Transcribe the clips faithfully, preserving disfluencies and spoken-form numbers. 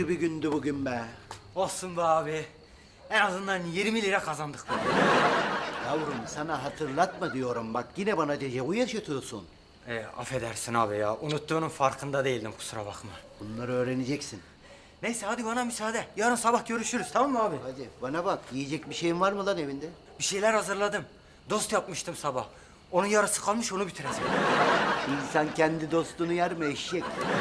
bir gündü bugün be. Olsun be abi. En azından yirmi lira kazandık be. Yavrum sana hatırlatma diyorum bak yine bana dejavu yaşatıyorsun. E, affedersin abi ya. Unuttuğunun farkında değildim, kusura bakma. Bunları öğreneceksin. Neyse hadi bana müsaade. Yarın sabah görüşürüz, tamam mı abi? Hadi bana bak yiyecek bir şeyin var mı lan evinde? Bir şeyler hazırladım. Dost yapmıştım sabah. Onun yarısı kalmış, onu bitireceğim. İnsan kendi dostunu yer mi eşek?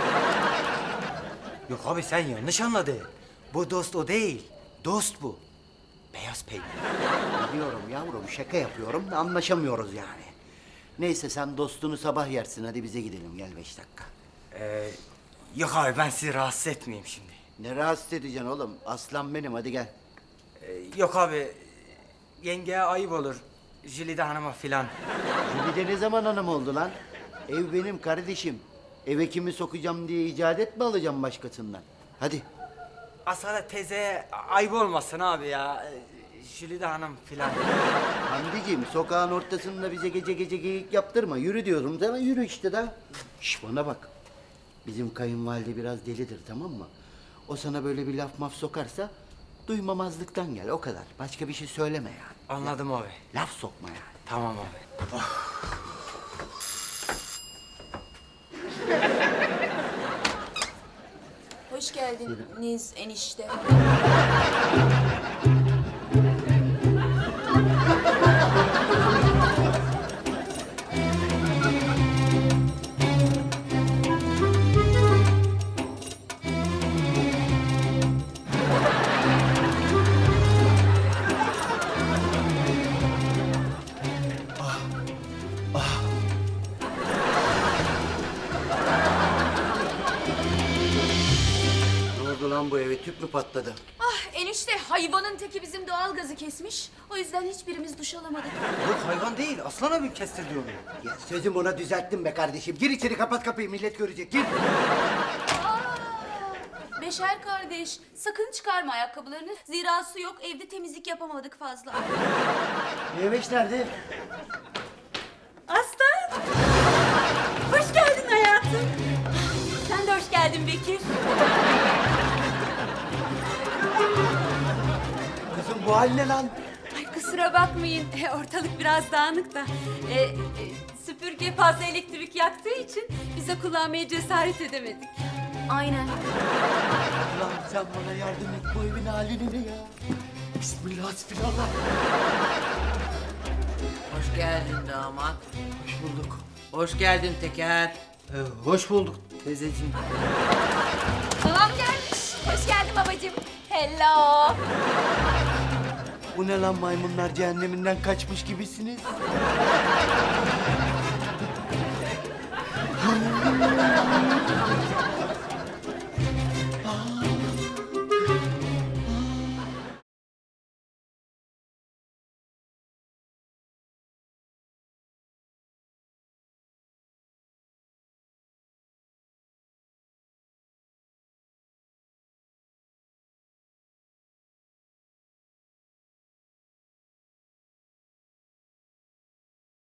Yok abi, sen yanlış anladın. Bu dost o değil. Dost bu. Beyaz peynir. Biliyorum yavrum şaka yapıyorum da anlaşamıyoruz yani. Neyse sen dostunu sabah yersin hadi bize gidelim gel beş dakika. Ee, yok abi, ben sizi rahatsız etmeyeyim şimdi. Ne rahatsız edeceksin oğlum? Aslan benim hadi gel. Ee, yok abi, yengeye ayıp olur. Jülide Hanım'a filan. Jülide ne zaman hanım oldu lan? Ev benim kardeşim. Eve kimi sokacağım diye icat etme alacağım başkasından. Hadi. Asalet teyzeye ayıp olmasın abi ya. Ee, Jülide Hanım filan. Hamdiciğim sokağın ortasında bize gece gece geyik yaptırma. Yürü diyorum sana yürü işte da. Şş bana bak. Bizim kayınvalide biraz delidir tamam mı? O sana böyle bir laf maf sokarsa duymamazlıktan gel o kadar. Başka bir şey söyleme yani. Anladım abi. Laf sokma yani. Tamam abi. Hoş geldiniz enişte. Ne oldu lan bu eve tüp mü patladı? Ah enişte hayvanın teki bizim doğalgazı kesmiş. O yüzden hiçbirimiz duş alamadık. Yok, hayvan değil. Aslan abim kestirdi onu. Ya sözüm ona düzelttim be kardeşim. Gir içeri kapat kapıyı millet görecek gir. Aa, Beşer kardeş sakın çıkarma ayakkabılarını. Zira su yok, evde temizlik yapamadık fazla. Meyveş nerede? Aslan! Hoş geldin hayatım. Sen de hoş geldin Bekir. Kızım bu hal ne lan? Ay kusura bakmayın, e, ortalık biraz dağınık da. E, e, süpürge fazla elektrik yaktığı için bize kullanmaya cesaret edemedik. Aynen. Lan sen bana yardım et bu evin halini ne ya? Bismillah hasbinallah. Hoş geldin damat. Hoş bulduk. Hoş geldin Teker. Ee, hoş bulduk teyzeciğim. Babam gelmiş. Hoş geldin babacığım. Hello. Bu ne lan maymunlar cehenneminden kaçmış gibisiniz?